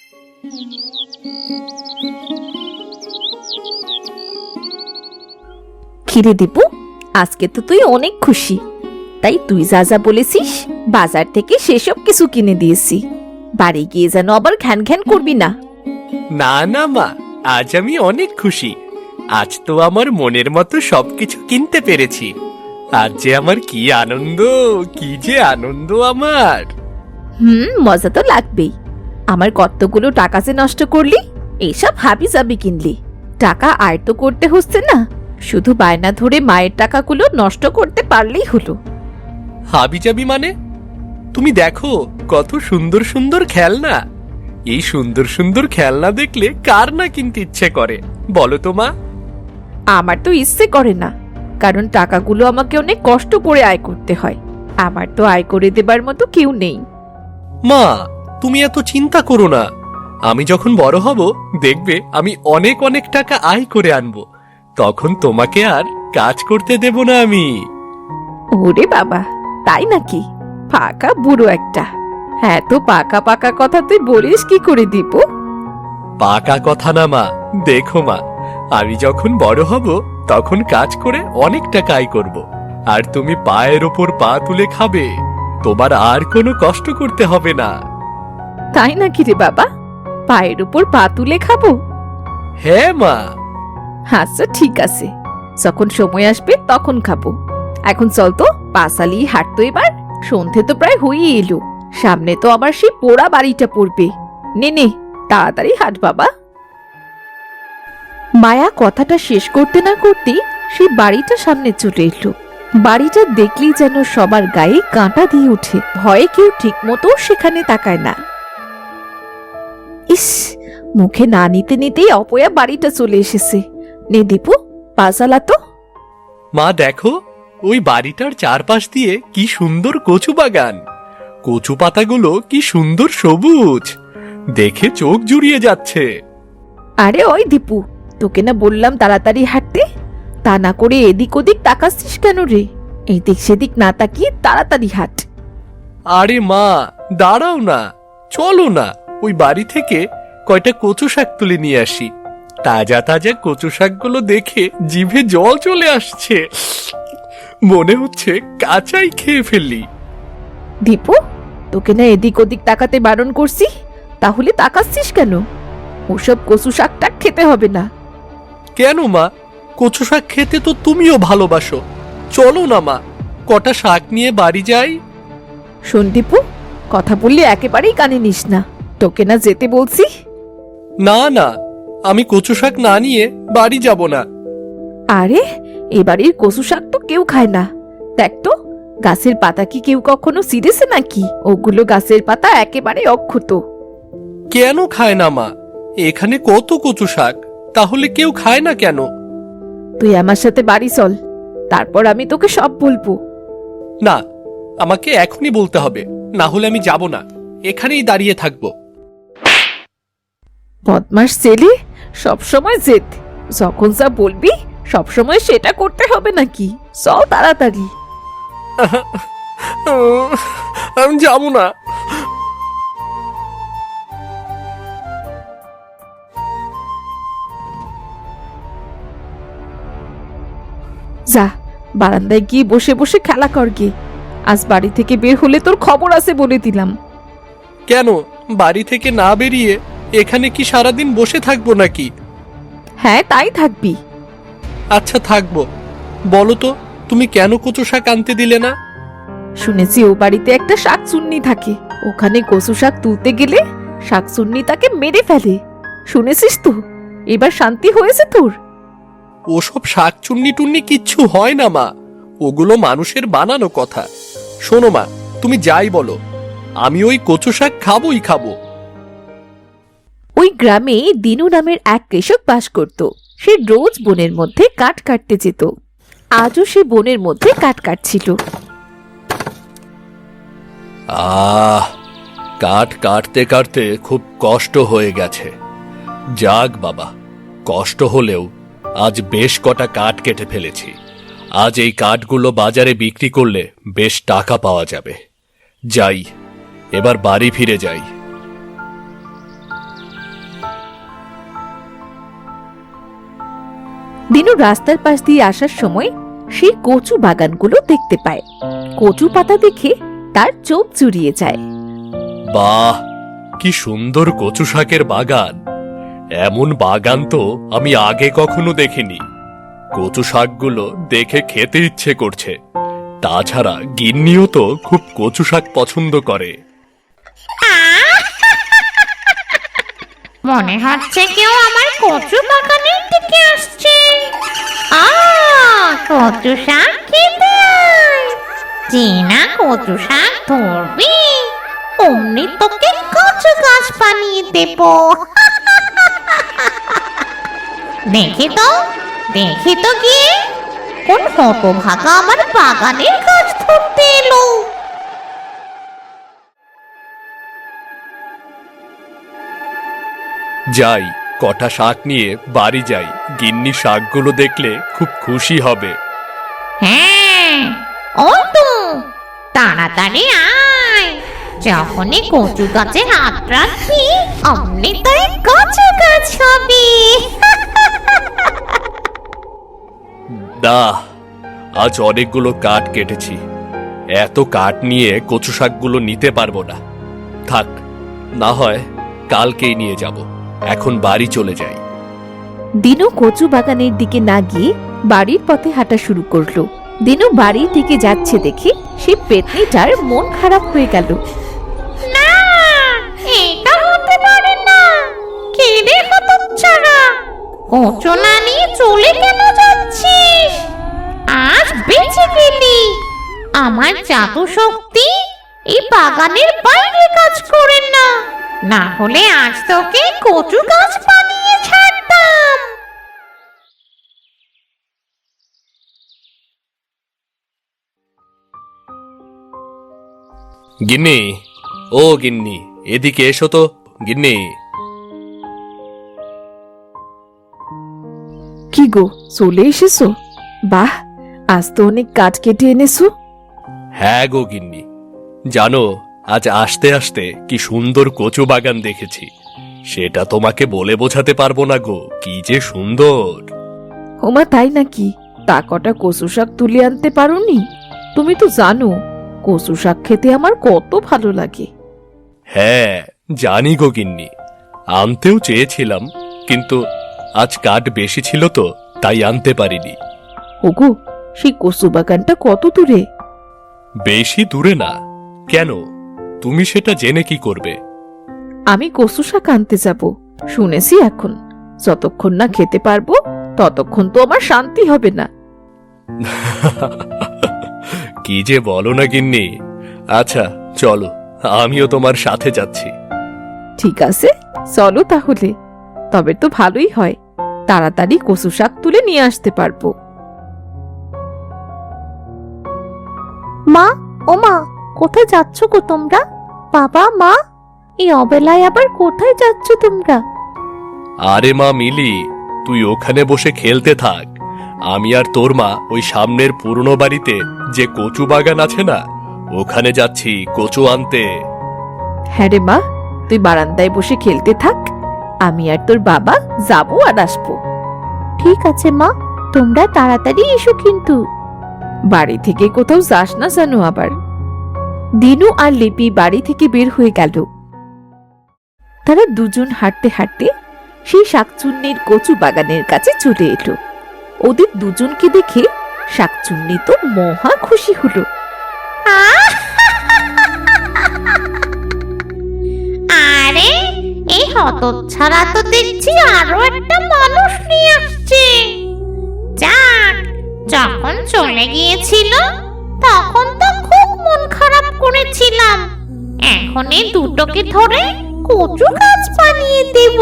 কিরে দীপু, আজকে তো তুই অনেক খুশি, তাই তুই যা যা বলেছিস বাজার থেকে সেসব কিছু কিনে দিয়েছি। বাড়ি গিয়ে যেন আবার ঘ্যান ঘ্যান করবি না। না না মা, আজ আমি অনেক খুশি। আজ তো আমার মনের মতো সবকিছু কিনতে পেরেছি। আজ যে আমার কি আনন্দ, কি যে আনন্দ আমার। মজা তো লাগবেই। আমার কতগুলো টাকা যে নষ্ট করলি এইসব হাবি জাবি কিনলি। টাকা আয় তো করতে হচ্ছে না, শুধু বায়না ধরে মায়ের টাকাগুলো নষ্ট করতে পারলেই হলো। হাবিজাবি মানে? তুমি দেখো কত সুন্দর সুন্দর খেলনা। এই সুন্দর সুন্দর খেলনা দেখলে কার না কিনতে ইচ্ছে করে বলো তো মা? আমার তো ইচ্ছে করে না, কারণ টাকাগুলো আমাকে অনেক কষ্ট করে আয় করতে হয়। আমার তো আয় করে দেবার মতো কেউ নেই। মা, তুমি এত চিন্তা করো না। আমি যখন বড় হব দেখবে আমি অনেক অনেক টাকা আয় করে আনবো। তখন তোমাকে আর কাজ করতে দেব না আমি। ওরে বাবা, তাই নাকি? পাকা বুড়ো একটা। হ্যাঁ, তো পাকা পাকা কথা তুই বলিস কি করে দীপু? পাকা কথা না মা, দেখো মা, আমি যখন বড় হব তখন কাজ করে অনেক টাকা আয় করব। আর তুমি পায়ের ওপর পা তুলে খাবে, তোমার আর কোনো কষ্ট করতে হবে না। তাই নাকি রে বাবা? পায়ের উপর পা তুলে খাবো? হ্যাঁ মা। আচ্ছা ঠিক আছে, যখন সময় আসবে তখন খাবো। এখন চল তো, পা চালিয়ে হাঁটতো এবার। সন্ধে তো প্রায় হয়েই এলো, সামনে তো আবার সেই পোড়া বাড়িটা পড়বে। নে নে, তাড়াতাড়ি হাঁট বাবা। মায়া কথাটা শেষ করতে না করতেই সেই বাড়িটা সামনে চলে এলো। বাড়িটা দেখলেই যেন সবার গায়ে কাঁটা দিয়ে ওঠে, ভয়ে কেউ ঠিক মতো সেখানে তাকায় না। ইস, মুখে না নিতে নিতেই অপয়া বাড়িটা চলে এসেছে। নে দীপু, পা চালা তো। মা দেখো, ওই বাড়িটার চারপাশ দিয়ে কি সুন্দর কচু বাগান। কচু পাতাগুলো কি সুন্দর সবুজ, দেখে চোখ জুড়িয়ে যাচ্ছে। আরে ওই দীপু, তোকে না বললাম তাড়াতাড়ি হাঁটতে? তা না করে এদিক ওদিক তাকাচ্ছিস কেন রে? এদিক সেদিক না তাকিয়ে তাড়াতাড়ি হাঁট। আরে মা, দাঁড়াও না, চলো না ওই বাড়ি থেকে কয়টা কচু শাক তুলে নিয়ে আসি। তাজা তাজা কচু শাকগুলো দেখে জিভে জল চলে আসছে, মনে হচ্ছে কাঁচাই খেয়ে ফেললি। দীপু, তোকে না এদিক ওদিক তাকাতে বারণ করছি, তাহলে তাকাচ্ছিস কেন? ওসব কচু শাকটা খেতে হবে না। কেন মা? কচু শাক খেতে তো তুমিও ভালোবাসো। চলো না মা, কটা শাক নিয়ে বাড়ি যাই। শোন দীপু, কথা বললে একেবারেই কানে নিস না। তোকে না যেতে বলছি। না না, আমি কচু শাক না নিয়ে বাড়ি যাব না। আরে, এবাড়ির কচু শাক তো কেউ খায় না। দেখ তো, গাছের পাতা কি কেউ কখনো ছিঁড়েছে নাকি? ওগুলো গাছের পাতা একেবারে অক্ষত। কেন খায় না মা? এখানে কত কচু শাক, তাহলে কেউ খায় না কেন? তুই আমার সাথে বাড়ি চল, তারপর আমি তোকে সব বলবো। না, আমাকে এখনই বলতে হবে, না হলে আমি যাব না, এখানেই দাঁড়িয়ে থাকবো। বদমাস ছেলে, সবসময় জেদ। যখন যা বলবি সবসময় সেটা করতে হবে নাকি? চল তাড়াতাড়ি। আমি যাব না। যা, বারান্দায় গিয়ে বসে বসে খেলা কর গিয়ে। আজ বাড়ি থেকে বের হলে তোর খবর আছে বলে দিলাম। কেন, বাড়ি থেকে না বেরিয়ে এখানে কি সারাদিন বসে থাকবো নাকি? হ্যাঁ, তাই থাকবি। আচ্ছা থাকবো। বলো তো, তুমি কেন কচু শাক আনতে দিলে না? শুনেছি ও বাড়িতে একটা শাকচুন্নি থাকে, ওখানে কচু শাক তুলতে গেলে শাকচুন্নি তাকে মেরে ফেলে। শুনেছিস তো? এবার শান্তি হয়েছে তোর? ওসব শাক চুন্নি টুন্নি কিচ্ছু হয় না মা, ওগুলো মানুষের বানানো কথা। শোনো মা, তুমি যাই বলো, আমি ওই কচু শাক খাবোই খাবো। ওই গ্রামে দিনু নামের এক কৃষক বাস করত। সে রোজ বনের মধ্যে কাঠ কাটতে যেত। আজও সে বনের মধ্যে কাঠ কাটছিল। কাঠ কাটতে কাটতে খুব কষ্ট হয়ে গেছে। যাক বাবা, কষ্ট হলেও আজ বেশ কটা কাঠ কেটে ফেলেছি। আজ এই কাঠগুলো বাজারে বিক্রি করলে বেশ টাকা পাওয়া যাবে। যাই, এবার বাড়ি ফিরে যাই। দিনু রাস্তার পাশ দিয়ে আসার সময় সে কচু বাগানগুলো দেখতে পায়। কচু পাতা দেখে তার চোখ জুড়িয়ে যায়। বাহ, কি সুন্দর কচু শাকের বাগান! এমন বাগান তো আমি আগে কখনো দেখিনি। কচু শাকগুলো দেখে খেতে ইচ্ছে করছে। তাছাড়া গিন্নিও তো খুব কচু শাক পছন্দ করে। মনে হচ্ছে কেউ আমার কচু বাগানের দিকে আসছে। কচু শাক খেতে আয়। যে না কচু শাক ধরবি অমনি তোকে কচু গাছ বানিয়ে দেব। দেখি তো গিয়ে কোন হতভাগা আমার বাগানের গাছ ধরতে এলো। যাই, কটা শাক নিয়ে বাড়ি যাই। গিন্নি শাকগুলো দেখলে খুব খুশি হবে। হ্যাঁ, ও তো তাড়াতাড়ি আয়। যখনই কচু গাছে হাত রাখবি অমনি তুই কচু গাছ হবি। দা, আজ অনেকগুলো কাঠ কেটেছি। এত কাঠ নিয়ে কচু শাকগুলো নিতে পারবো না। থাক, না হয় কালকেই নিয়ে যাব। এখন বাড়ি চলে যাই। দিনু কচু বাগানের দিকে না গিয়ে বাড়ির পথে হাঁটা শুরু করলো। দিনু বাড়ির দিকে যাচ্ছে দেখে সে পেতনিটার মন খারাপ হয়ে গেল। না, এটা হতে পারে না। কে রে হতচ্ছাড়া, কচু না নিয়ে চলে কেন যাচ্ছিস? আজ বেঁচে গেলি। আমার জাদু শক্তি এই বাগানের বাইরে কাজ করে না। না হলে আজ তোকে কচু গাছ বানিয়ে ছাড়তাম। গিন্নি, ও গিন্নি, এদিকে এসো তো। গিন্নি, কি গো, চলে এসেছো? বাহ, আজ তো অনেক কাঠ কেটে এনেছো। হ্যাঁ গো গিন্নি, জানো আজ আসতে আসতে কি সুন্দর কচু বাগান দেখেছি। সেটা তোমাকে বলে বোঝাতে পারবো না গো, কি যে সুন্দর। ওমা, তাই নাকি? তা কটা কচু শাক তুলে আনতে পারোনি? তুমি তো জানো কচু শাক খেতে আমার কত ভালো লাগে। হ্যাঁ জানি গো গিন্নি, আনতেও চেয়েছিলাম, কিন্তু আজ কাঠ বেশি ছিল তো তাই আনতে পারিনি। ওগো, সেই কচু বাগানটা কত দূরে? বেশি দূরে না। কেন, তুমি সেটা জেনে কি করবে? আমি কচু শাক আনতে যাব। শুনেছি এখন যতক্ষণ না খেতে পারবো ততক্ষণ তো আমার শান্তি হবে না। কি যে বলো না গিন্নি। আচ্ছা চলো, আমিও তোমার সাথে যাচ্ছি। ঠিক আছে, চলো তাহলে। তবে তো ভালোই হয়, তাড়াতাড়ি কচু শাক তুলে নিয়ে আসতে পারবো। মা, ও মা, কোথায় যাচ্ছ গো তোমরা? বাবা, মা, এই অবেলায় আবার কোথায় যাচ্ছ তোমরা? আরে মা মিলি, তুই ওখানে বসে খেলতে থাক। আমি আর তোর মা ওই সামনের পুরনো বাড়িতে যে কচু বাগান আছে না, ওখানে যাচ্ছি কচু আনতে। হ্যাঁ রে মা, তুই বারান্দায় বসে খেলতে থাক। আমি আর তোর বাবা যাবো আর আসবো। ঠিক আছে মা, তোমরা তাড়াতাড়ি এসো কিন্তু। বাড়ি থেকে কোথাও যাস না জানো আবার। দিনু আর লিপি বাড়ি থেকে বের হয়ে গেল। তারা দুজন হাঁটতে হাঁটতে সেই শাকচুন্নির কচু বাগানের কাছে চলে এলো। ওদের দুজনকে দেখে শাকচুন্নি তো মহা খুশি হলো। আরে, এই হতচ্ছাড়া তো দেখছি আরো একটা মানুষ নিয়ে আসছে। যাক, যখন চলে গিয়েছিল তখন তো খুব মন খারাপ করেছিলাম। এখন এই দুটোকে ধরে কচু গাছ বানিয়ে দেব।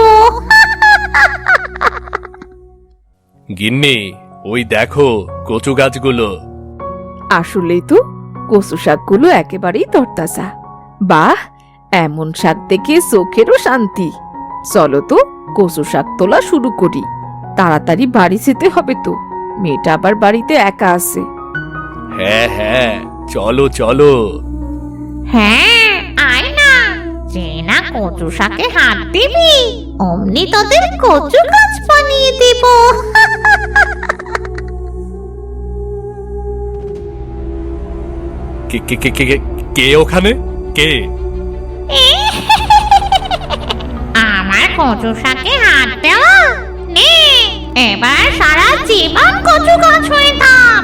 গিন্নি, ওই দেখো কচু গাছগুলো। আসলেই তো কচু শাকগুলো একেবারেই তরতাজা। বাহ, এমন শাক দেখে চোখেরও শান্তি। চলো তো কচু শাক তোলা শুরু করি। তাড়াতাড়ি বাড়ি যেতে হবে তো, মেয়েটা আবার বাড়িতে একা আছে। হ্যাঁ হ্যাঁ, চলো চলো। হ্যাঁ, আয় না। যে না কচু শাকে হাত দিবি অমনি তোদের কচু গাছ বানিয়ে দেব। কে কে কে কে কে- কে ওখানে? কে? আমার কচু শাকে হাত দেওয়া নে, এবার সারা জীবন কচু গাছ হয়ে থাক।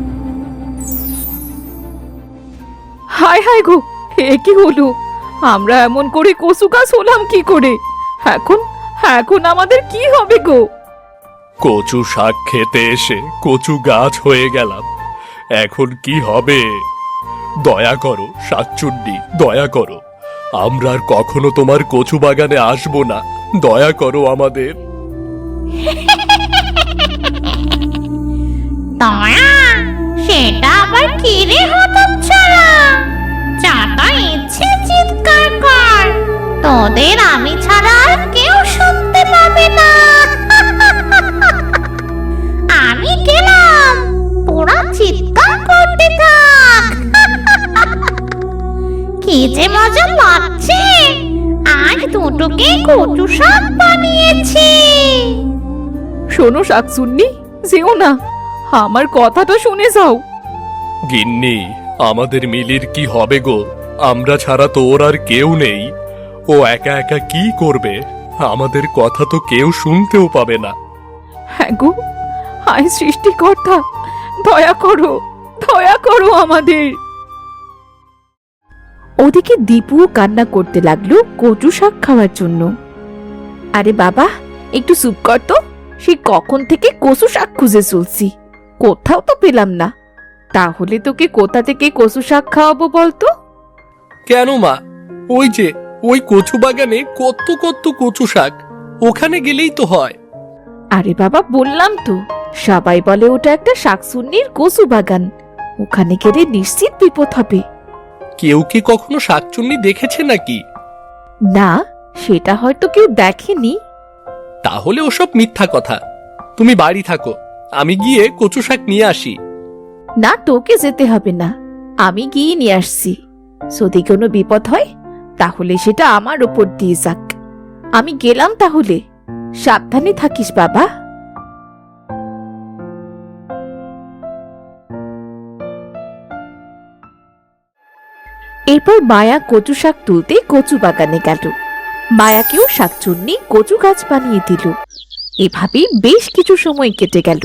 হায় হায় গো, এ কি হলো? আমরা এমন করে কচু গাছ হলাম কি করে? এখন এখন আমাদের কি হবে গো? কচু শাক খেতে এসে কচু গাছ হয়ে গেলাম, এখন কি হবে? দয়া করো শাকচুন্নি, দয়া করো, আমরা আর কখনো তোমার কচু বাগানে আসবো না, দয়া করো আমাদের। দয়া? সেটা আবার কি রে হতচ্ছাড়া? যত ইচ্ছে চিৎকার কর, তোদের আমি ছাড়া আর কেউ শুনতে পাবে না। আমি গেলাম, তোরা চিৎকার করতে থাক। কি যে মজা লাগছে, আজ দুটোকে কচু শাক বানিয়েছি। শোনো শাকচুন্নি, যেও না, আমার কথাটা শুনে যাও। গিন্নি, আমাদের মিলির কি হবে গো? আমরা ছাড়া তো ওর আর কেউ নেই, ও একা একা কি করবে? আমাদের কথা তো কেউ শুনতেও পাবে না। হ্যাঁ গো, হায় সৃষ্টিকর্তা, দয়া করো আমাদের। ওদিকে দীপু কান্না করতে লাগলো কচু শাক খাওয়ার জন্য। আরে বাবা, একটু চুপ কর তো, সে কখন থেকে কচু শাক খুঁজে চলছি, কোথাও তো পেলাম না। তাহলে তোকে কোথা থেকে কচু শাক খাওয়াবো বলতো? কেন মা, ওই যে ওই কচু বাগানে কত কত কচু শাক, ওখানে গেলেই তো হয়। আরে বাবা, বললাম তো, সবাই বলে ওটা একটা শাকচুন্নির কচু বাগান, ওখানে গেলে নিশ্চিত বিপদ হবে। কেউ কি কখনো শাকচুন্নি দেখেছে নাকি? না, সেটা হয়তো কেউ দেখেনি। তাহলে ওসব মিথ্যা কথা। তুমি বাড়ি থাকো, আমি গিয়ে কচু শাক নিয়ে আসি। না, তোকে যেতে হবে না, আমি গিয়ে নিয়ে আসছি। যদি কোনো বিপদ হয় তাহলে সেটা আমার ওপর দিয়ে যাক। আমি গেলাম তাহলে, সাবধানে থাকিস বাবা। এরপর মায়া কচু শাক তুলতে কচু বাগানে গেল। মায়াকেও শাকচুন্নি কচু গাছ বানিয়ে দিল। এভাবেই বেশ কিছু সময় কেটে গেল।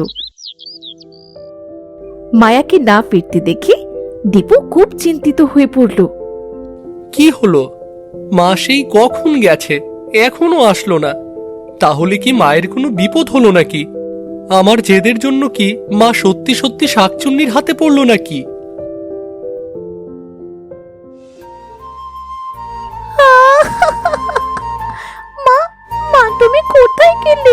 মায়াকে না ফিরতে দেখে দীপু খুব চিন্তিত হয়ে পড়ল। কি হলো? মা সেই কখন গেছে, এখনো আসলো না। তাহলে কি মায়ের কোনো বিপদ হলো নাকি? আমার জেদের জন্য কি মা সত্যি সত্যি শাকচুন্নির হাতে পড়লো নাকি? মা, মা তুমি কোথায় গেলে?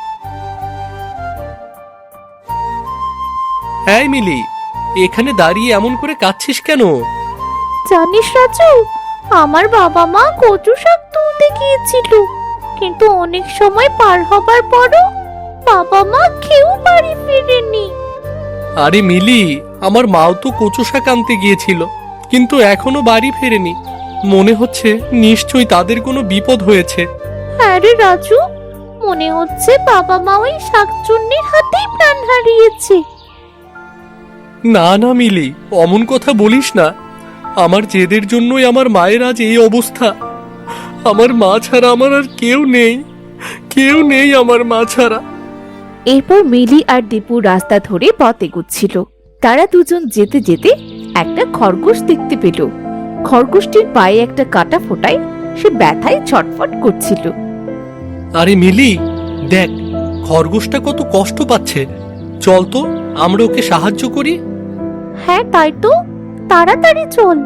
এই মিলি, এখানে দাঁড়িয়ে এমন করে কাঁদছিস কেন? জানিস রাজু, আমার বাবা মা কচু শাক তুলতে গিয়েছিল, কিন্তু অনেক সময় পার হবার পরও বাবা মা কেউ বাড়ি ফিরেনি। আরে মিলি, আমার মাও তো কচু শাক আনতে গিয়েছিল, কিন্তু এখনো বাড়ি ফেরেনি। মনে হচ্ছে নিশ্চয়ই তাদের কোনো বিপদ হয়েছে। হ্যাঁ রে রাজু, মনে হচ্ছে বাবা মা ওই শাকচুন্নির হাতেই প্রাণ হারিয়েছে। না না মিলি, অমন কথা বলিস না। আমার জেদের জন্যই আমার মায়ের আজ এই অবস্থা। আমার মা ছাড়া আমার আর কেউ নেই, কেউ নেই আমার মা ছাড়া। এরপর মিলি আর দীপু রাস্তা ধরে পথ এগুচ্ছিল। তারা দুজন যেতে যেতে একটা খরগোশ দেখতে পেল। খরগোশটির পায়ে একটা কাটা ফোটায় সে ব্যথায় ছটফট করছিল। আরে মিলি, দেখ খরগোশটা কত কষ্ট পাচ্ছে। চল তো আমরা ওকে সাহায্য করি। হ্যাঁ তাই তো, তাড়াতাড়ি চল।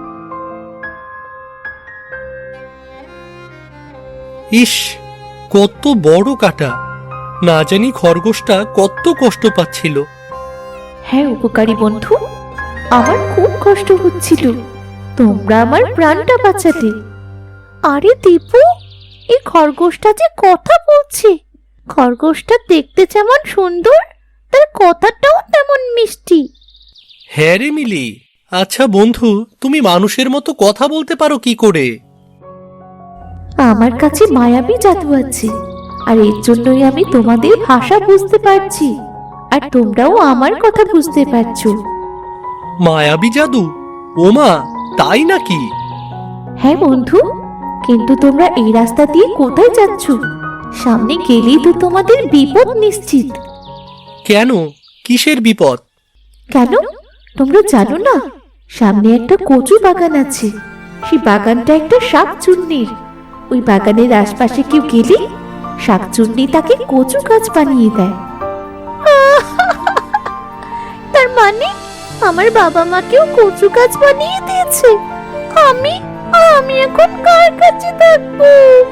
ইস, কত বড় কাটা! না জানি খরগোশটা কত কষ্ট পাচ্ছিল। হ্যাঁ উপকারী বন্ধু, আমার খুব কষ্ট হচ্ছিল, তোমরা আমার প্রাণটা বাঁচালে। আরে দীপু, এই খরগোশটা যে কথা বলছে। খরগোশটা দেখতে যেমন সুন্দর, তার কথাটাও তেমন মিষ্টি। হ্যাঁ রে মিলি, আচ্ছা বন্ধু, তুমি মানুষের মতো কথা বলতে পারো কি করে? আমার কাছে মায়াবী জাদু আছে, আর এর জন্যই আমি তোমাদের ভাষা বুঝতে পারছি, আর তোমরাও আমার কথা বুঝতে পারছো। মায়াবী জাদু? ওমা, তাই নাকি? হ্যাঁ বন্ধু, কিন্তু তোমরা এই রাস্তা দিয়ে কোথায় যাচ্ছ? সামনে গেলেই তো তোমাদের বিপদ নিশ্চিত। কেন, কিসের বিপদ? কেন তোমরা জানো না? সামনে একটা কচু বাগান আছে। সেই বাগানটা একটা শাকচুন্নির। ওই বাগানের আশপাশে কেউ গেলে শাকচুন্নি তাকে কচু গাছ বানিয়ে দেয়। তার মানে আমার বাবা মাকেও কচু গাছ বানিয়ে দিয়েছে। আমি আমি এখন কার কাছে থাকবো?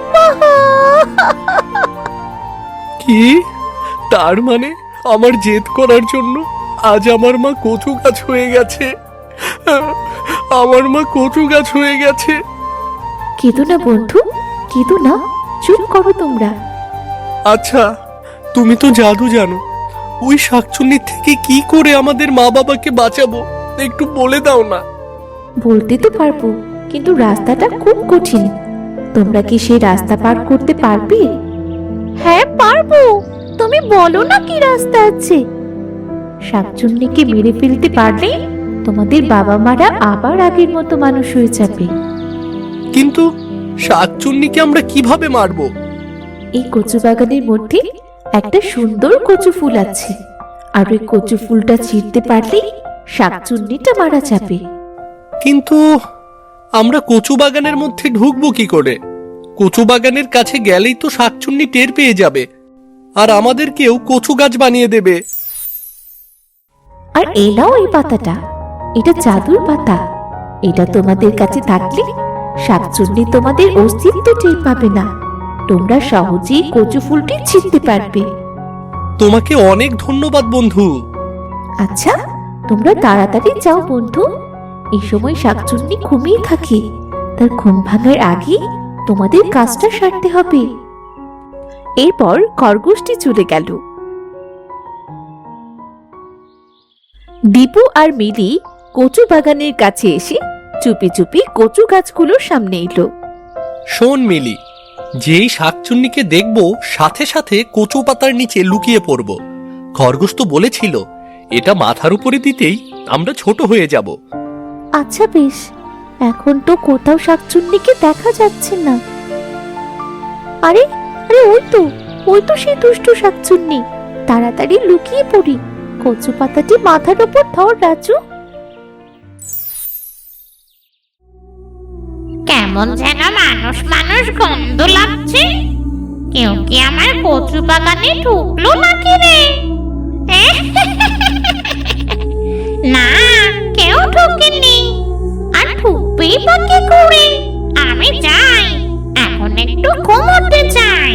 কি? তার মানে আমার জেদ করার জন্য আজ আমার মা কচু গাছ হয়ে গেছে। আমার মা কচু গাছ হয়ে গেছে। কেঁদো না বন্ধু, কেঁদো না, চুপ করো তোমরা। আচ্ছা, তুমি তো জাদু জানো। ওই শাকচুন্নির থেকে কি করে আমাদের মা বাবাকে বাঁচাবো একটু বলে দাও না। বলতে তো পারবো, কিন্তু রাস্তাটা খুব কঠিন। তোমরা কি সেই রাস্তা পার করতে পারবে? হ্যাঁ পারবো, তুমি বলো না কি রাস্তা আছে। শাকচুন্নিকে মেরে ফেলতে পারলে তোমাদের বাবা মারা আবার আগের মতো মানুষ হয়ে যাবে। কিন্তু শাকচুন্নিকে আমরা কিভাবে মারবো? এই কচু বাগানের মধ্যে একটা সুন্দর কচু ফুল আছে, আর ওই কচু ফুলটা ছিঁড়তে পারলেই শাকচুন্নিটা মারা যাবে। কিন্তু আমরা কচু বাগানের মধ্যে ঢুকবো কি করে? কচু বাগানের কাছে গেলেই তো শাকচুন্নি টের পেয়ে যাবে, আর আমাদেরকেও কচু গাছ বানিয়ে দেবে। আর এই নাও এই পাতাটা, এটা জাদুর পাতা। এটা তোমাদের কাছে থাকলে শাকচুন্নি তোমাদের অস্তিত্ব টের পাবে না। তোমরা সহজেই কচু ফুলটি ছিঁড়তে পারবে। তোমাকে অনেক ধন্যবাদ বন্ধু। আচ্ছা, তোমরা তাড়াতাড়ি যাও বন্ধু। এই সময় শাকচুন্নি ঘুমিয়ে থাকে। তার ঘুম ভাঙার আগে তোমাদের কাজটা সারতে হবে। এরপর খরগোশটি চলে গেল। দীপু আর মিলি কচু বাগানের কাছে এসে চুপি চুপি কচু গাছগুলোর সামনে এলো। শোন মিলি, যেই শাকচুন্নিকে দেখবো সাথে সাথে কচু পাতার নিচে লুকিয়ে পড়ব। খরগোশ তো বলেছিল এটা মাথার উপরে দিতেই আমরা ছোট হয়ে যাব। আচ্ছা বেশ, এখন তো কোথাও শাকচুন্নিকে দেখা যাচ্ছে না। আরে আরে ওই তো সেই দুষ্টু শাকচুন্নি। তাড়াতাড়ি লুকিয়ে পড়ি। কচু পাতাটি মাথার উপর ধর রাজু। কেমন যেন মানুষ মানুষ গন্ধ লাগছে। কেউ কি আমার কচু বাগানে ঢুকলো নাকি রে? না, কেউ ঢোকেনি। আর ঢুকবেই বা কি করে? আমি যাই, এখন একটু ঘুমোতে চাই।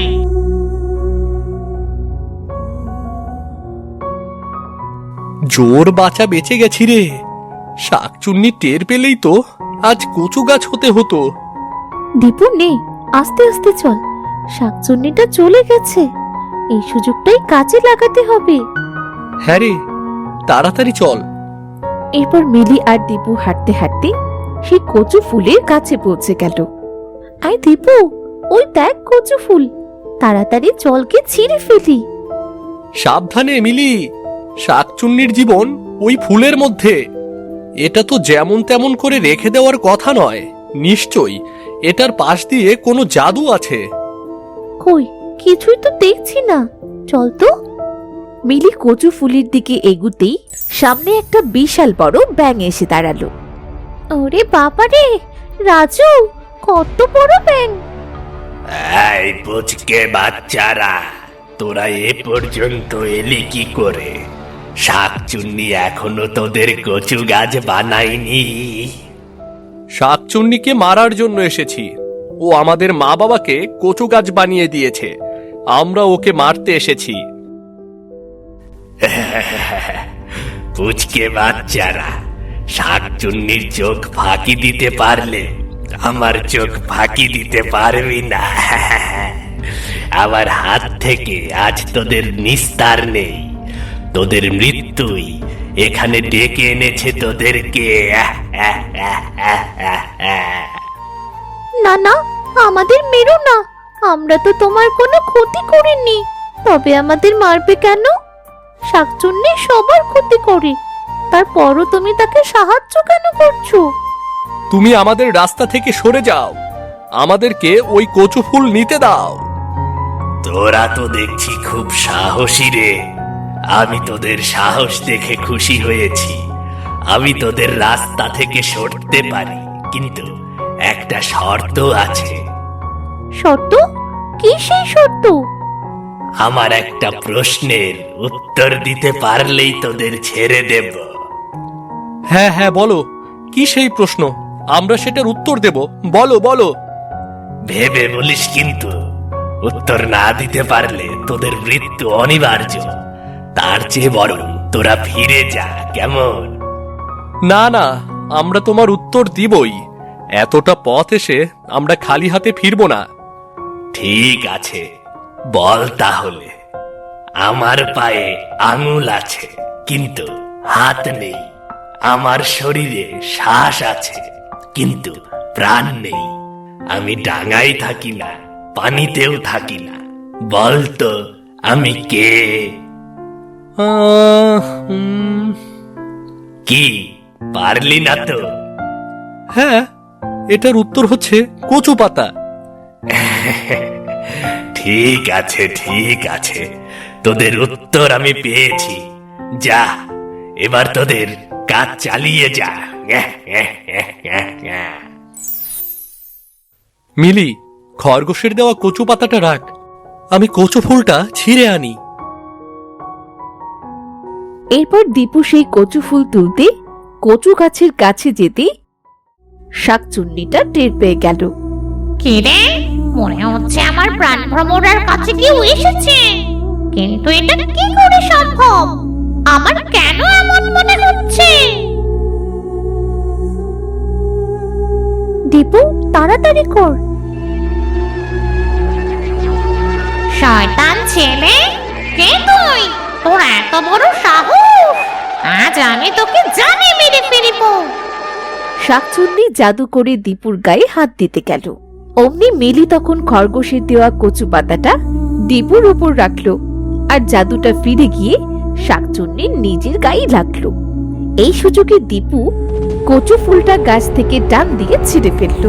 জোর বাঁচা বেঁচে গেছি রে। শাকচুন্নি টের পেলেই তো আজ কচু গাছ হতে হতো। দীপু নে, আস্তে আস্তে চল। শাকচুন্নিটা চলে গেছে, এই সুযোগটাই কাজে লাগাতে হবে। হ্যাঁ রে, তাড়াতাড়ি চল। এরপর মিলি আর দীপু হাঁটতে হাঁটতে সেই কচু ফুলের কাছে পৌঁছে গেল। আই দীপু, ওই দেখ কচু ফুল। তাড়াতাড়ি জলকে ছিঁড়ে ফেলি। সাবধানে মিলি, শাকচুন্নির জীবন ওই ফুলের মধ্যে। এটা তো যেমন তেমন করে রেখে দেওয়ার কথা নয়। নিশ্চয়ই এটার পাশ দিয়ে কোনো জাদু আছে। কই, কিছুই তো দেখছি না। চল তো। মিলি কচু ফুলের দিকে এগুতেই সামনে একটা বিশাল বড় ব্যাঙ এসে দাঁড়ালো। ওরে বাবা রে রাজু, কত বড় ব্যাঙ! এই পুচকে বাচ্চারা, তোরা এ পর্যন্ত এলি কি করে? শাকচুন্নি এখনো তোদের কচু গাছ বানায়নি? শাকচুন্নিকে মারার জন্য এসেছি। ও আমাদের মা বাবাকে কচু গাছ বানিয়ে দিয়েছে। আমরা ওকে মারতে এসেছি। পুচকে বাচ্চারা, শাকচুন্নির চোখ ফাঁকি দিতে পারলে আমার চোখ ফাঁকি দিতে পারবি না। আমার হাত থেকে আজ তোদের নিস্তার নেই। তোদের মৃত্যুই এখানে ডেকে এনেছে তোদেরকে। না না, আমাদের মেরো না। আমরা তো তোমার কোনো ক্ষতি করিনি। তবে আমাদের মারবে কেন? শাকচুন্নি সবার ক্ষতি করে, তারপরও তুমি তাকে সাহায্য কেন করছো? তুমি আমাদের রাস্তা থেকে সরে যাও, আমাদেরকে ওই কচু ফুল নিতে দাও। তোরা তো দেখছি খুব সাহসী রে। আমি তোদের সাহস দেখে খুশি হয়েছি। আমি তোদের রাস্তা থেকে সরতে পারি, কিন্তু একটা শর্ত আছে। শর্ত? কি সেই শর্ত? আমার একটা প্রশ্নের উত্তর দিতে পারলেই তোদের ছেড়ে দেব। হ্যাঁ হ্যাঁ, বলো, কি সেই প্রশ্ন? আমরা সেটার উত্তর দেব। বলো বলো। ভেবে বলিস, কিন্তু উত্তর না দিতে পারলে তোদের মৃত্যু অনিবার্য। তার চেয়ে বরং তোরা ফিরে যা, কেমন? না না, আমরা তোমার উত্তর দিবই। এতটা পথ এসে আমরা খালি হাতে ফিরবো না। ঠিক আছে, বল তাহলে। আমার পায়ে আঙুল আছে, কিন্তু হাত নেই। আমার শরীরে শ্বাস আছে, কিন্তু প্রাণ নেই। আমি ডাঙায় থাকি না, পানিতেও থাকি না। বল তো, আমি কে? কি পারলি না তো? হ্যাঁ, এটার উত্তর হচ্ছে কচু পাতা। ঠিক আছে, ঠিক আছে, তোদের উত্তর আমি পেয়েছি। যা, এবার তোদের কাজ চালিয়ে যা। মিলি, খরগোশের দেওয়া কচু পাতাটা রাখ, আমি কচু ফুলটা ছিঁড়ে আনি। এরপর দীপু সেই কচু ফুল তুলতে কচু গাছের কাছে যেতে শাকচুন্নিটা টের পেয়ে গেল। কি রে, মনে হচ্ছে আমার প্রাণ ভ্রমরার কাছে কেউ এসেছে। কিন্তু এটা কি করে সম্ভব? আমার কেন এমন মনে হচ্ছে? দীপু, তাড়াতাড়ি কর। শয়তান ছেলে, কে তুই? তোর এত বড় সাহস! আজ আমি তোকে জানে মেরে ফেলব। শাকচুন্নি জাদু করে দীপুর গায়ে হাত দিতে গেল। অমনি মিলি তখন খরগোশের দেওয়া কচু পাতাটা দীপুর উপর রাখলো, আর জাদুটা ফিরে গিয়ে শাকচুন্নির নিজের গায়ে লাগলো। এই সুযোগে দীপু কচু ফুলটা গাছ থেকে টান দিয়ে ছিঁড়ে ফেললো।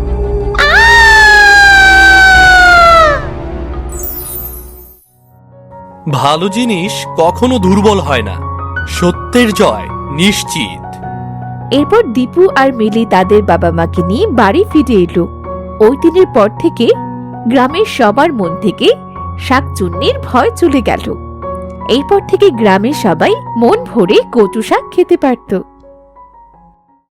ভালো জিনিস কখনো দুর্বল হয় না, সত্যের জয় নিশ্চিত। এরপর দীপু আর মিলি তাদের বাবা মাকে নিয়ে বাড়ি ফিরে এলো। ওই দিনের পর থেকে গ্রামের সবার মন থেকে শাকচুন্নির ভয় চলে গেল। এরপর থেকে গ্রামের সবাই মন ভরে কচু শাক খেতে পারত।